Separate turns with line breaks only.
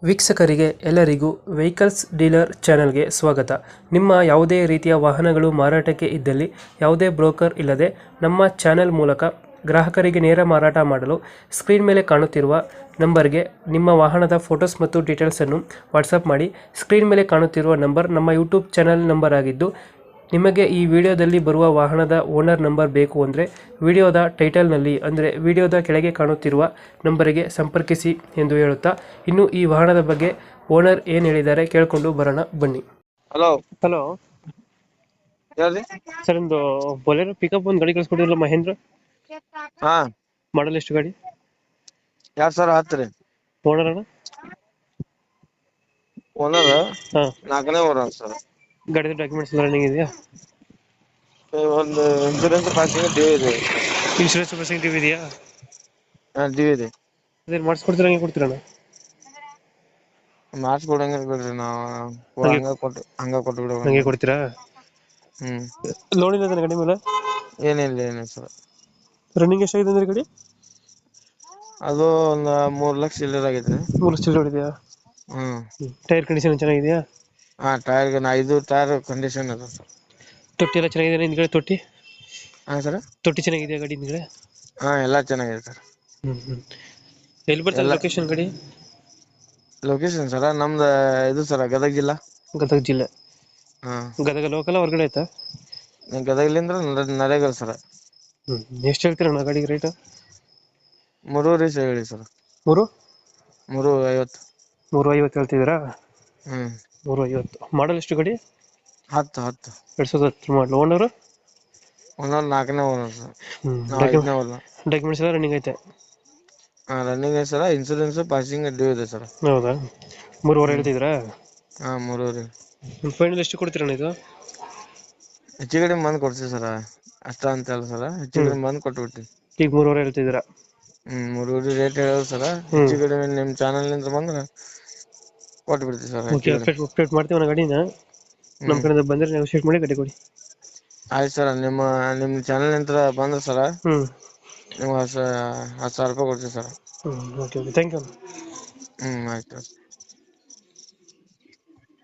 ವೀಕ್ಷಕರಿಗೆ ಎಲ್ಲರಿಗೂ vehicles dealer ಚಾನೆಲ್ಗೆ ಸ್ವಾಗತ. ನಿಮ್ಮ ಯಾವುದೇ ರೀತಿಯ ವಾಹನಗಳು ಮಾರಾಟಕ್ಕೆ ಇದ್ದಲ್ಲಿ ಯಾವುದೇ ಬ್ರೋಕರ್ ಇಲ್ಲದೆ ನಮ್ಮ ಚಾನೆಲ್ ಮೂಲಕ ಗ್ರಾಹಕರಿಗೆ ನೇರ ಮಾರಾಟ ಮಾಡಲು ಸ್ಕ್ರೀನ್ ಮೇಲೆ ಕಾಣುತ್ತಿರುವ ನಂಬರ್ಗೆ ನಿಮ್ಮ ವಾಹನದ ಫೋಟೋಸ್ ಮತ್ತು ಡೀಟೇಲ್ಸನ್ನು ವಾಟ್ಸಪ್ ಮಾಡಿ. ಸ್ಕ್ರೀನ್ ಮೇಲೆ ಕಾಣುತ್ತಿರುವ ನಂಬರ್ ನಮ್ಮ ಯೂಟ್ಯೂಬ್ ಚಾನೆಲ್ ನಂಬರ್ ಆಗಿದ್ದು, ನಿಮಗೆ ಈ ವಿಡಿಯೋದಲ್ಲಿ ಬರುವ ವಾಹನದ ಓನರ್ ನಂಬರ್ ಬೇಕು ಅಂದರೆ ವಿಡಿಯೋದ ಟೈಟಲ್ನಲ್ಲಿ ಅಂದರೆ ವಿಡಿಯೋದ ಕೆಳಗೆ ಕಾಣುತ್ತಿರುವ ನಂಬರಿಗೆ ಸಂಪರ್ಕಿಸಿ ಎಂದು ಹೇಳುತ್ತಾ, ಇನ್ನು ಈ ವಾಹನದ ಬಗ್ಗೆ ಓನರ್ ಏನು ಹೇಳಿದ್ದಾರೆ ಕೇಳಿಕೊಂಡು ಬರೋಣ ಬನ್ನಿ.
ಹಲೋ
ಹಲೋ
ಹೇಳ್ರಿ.
ಸರ್, ಒಂದು ಬೊಲೆರೋ ಪಿಕಪ್ ಒಂದು ಗಾಡಿ ಕಳಿಸ್ಕೊಟ್ಟಿರಲ್ಲ, ಮಹೇಂದ್ರ
ಹಾ
ಮಾಡಲ್ ಎಷ್ಟು ಗಾಡಿ?
2010 ರೀ.
ಓನರ್ ಅಣ್ಣ?
ಓನರ್
ಹಾಂ.
4ನೇ ಓನರ್ ಸರ್.
ಗಾಡಿದ ಡಾಕ್ಯುಮೆಂಟ್ಸ್ ಎಲ್ಲ ರನ್ನಿಂಗ್ ಇದೆಯಾ?
ಒಂದು ಇನ್ಸೂರೆನ್ಸ್ ಪಾಸಿಂಗ್ ಡ್ಯೂ ಇದೆ.
ಇನ್ಶೂರೆನ್ಸ್ ಪ್ರೊಸೆಸಿಂಗ್ ಇದೆಯಾ?
ಡ್ಯೂ ಇದೆ.
ಅದೇನು ಮಾಡಿಸ್ಕೊಡ್ತೀರಾ, ಹಂಗೆ ಕೊಡ್ತೀರಣ್ಣ?
ಮಾಡಿಸ್ಕೊಡಂಗಿಲ್ಲ ಬಿಡ್ರಿ, ನಾವು ಹಂಗ ಕೊಟ್ಟು ಬಿಡೋ.
ಹಂಗೆ ಕೊಡ್ತೀರಾ? ಲೋನ್ ಇಲ್ಲ ಗಾಡಿ ಮೇಲೆ?
ಏನಿಲ್ಲ ಸರ್.
ರನ್ನಿಂಗ್ ಎಷ್ಟಾಗಿದೆ ಅಂದ್ರೆ ಗಾಡಿ?
ಅದು ಒಂದು 3 ಲಕ್ಷ ಚಿಲ್ಲರ್ ಆಗೈತ್ರಿ.
3 ಲಕ್ಷ ಹೊಡಿದೆಯಾ? ಟೈರ್ ಕಂಡೀಷನ್ ಚೆನ್ನಾಗಿದೆಯಾ?
ಹಾ, ಟೈರ್ 5 ಟೈರ್ ಕಂಡೀಷನ್ ಅದ ಸರ್.
ತೊಟ್ಟಿ ಎಲ್ಲ ಚೆನ್ನಾಗಿದೆ ಹಿಂದ್ಗಡೆ? ತೊಟ್ಟಿ
ಸರ್,
ತೊಟ್ಟಿ ಚೆನ್ನಾಗಿದೆಯಾ ಗಾಡಿ ಹಿಂದ್ಗಡೆ?
ಹಾ ಎಲ್ಲ ಚೆನ್ನಾಗಿದೆ ಸರ್.
ಎಲ್ಲಿ ಬರ್ತದೆ ಲೊಕೇಶನ್ ಗಾಡಿ?
ಲೊಕೇಶನ್ ಸರ ನಮ್ದು ಇದು ಸರ ಗದಗ ಜಿಲ್ಲಾ.
ಗದಗ ಜಿಲ್ಲೆ?
ಹಾ.
ಗದಗ ಲೋಕಲ್ ಹೊರಗಡೆ ಆಯ್ತಾ?
ಗದಗಲಿಂದ್ರ ನರೇಗಲ್ ಸರ.
ಎಷ್ಟು ಹೇಳ್ತೀರಣ್ಣ ಗಾಡಿಗೆ ರೇಟ್?
3 ಹೇಳಿ ಸರ್. 350.
350 ಹೇಳ್ತಿದ್ದೀರಾ? 350. ಮಾಡಲ್ ಎಷ್ಟು ಗಾಡಿ?
10.
2010 ಮಾಡಲ್. ಓನರ್?
ಓನರ್ 4ನೇ ಓನರ್ ಸರ್. ನಾವು 5ನೇ ಓನರ್.
ಡಾಕ್ಯುಮೆಂಟ್ಸ್ ಎಲ್ಲ ರನ್ನಿಂಗ್ ಐತೆ?
ರನ್ನಿಂಗ್ ಐತೆ ಸರ್. ಇನ್ಸೂರೆನ್ಸ್ ಪಾಸಿಂಗ್ ಡ್ಯೂ ಇದೆ ಸರ್.
ಹೌದಾ? 3.5 ಹೇಳ್ತಿದ್ದೀರಾ?
ಹಾ, 3.
ಫೈನಲ್ ಎಷ್ಟು ಕೊಡ್ತೀರಣ್ಣ ಇದು?
ಹೆಚ್ಚು ಕಡಿಮೆ ಬಂದು ಕೊಡ್ತೀವಿ ಸರ್. ಅಷ್ಟ ಅಂತ ಅಲ್ಲ ಸರ್, ಹೆಚ್ಚು ಕಡಿಮೆ ಬಂದು ಕೊಟ್ಬಿಡ್ತೀವಿ.
ಈಗ 3.5 ಹೇಳ್ತಿದ್ದೀರಾ?
3 ರೇಟ್ ಹೇಳೋದು ಸರ್. ಹೆಚ್ಚು ಕಡಿಮೆ ನಿಮ್ಮ ಚಾನಲ್ ನಿಂದ ಬಂದ್ರೆ ಕೊಟ್ಬಿಡ್ತೀವಿ ಸರ್.
ಅಪ್ಡೇಟ್ ಮಾಡ್ತೀವಿ ನಾ ಗಾಡಿನ. ನಮ್ಮ ಕಡೆಯಿಂದ ಬಂದರೆ ನೆಗೋಶಿಯೇಟ್ ಮಾಡಿ ಗಾಡಿ ಕೊಡಿ.
ಆಯ್ತು ಸರ್. ನಿಮ್ಮ ಚಾನಲ್ ನಿಂದ ಬಂದ್ರೆ ಸರ್ ನಿಮ್ಗೆ 10,000 ರೂಪಾಯಿ ಕೊಡ್ತೀವಿ ಸರ್.
Okay, thank you.
ಆಯ್ತು.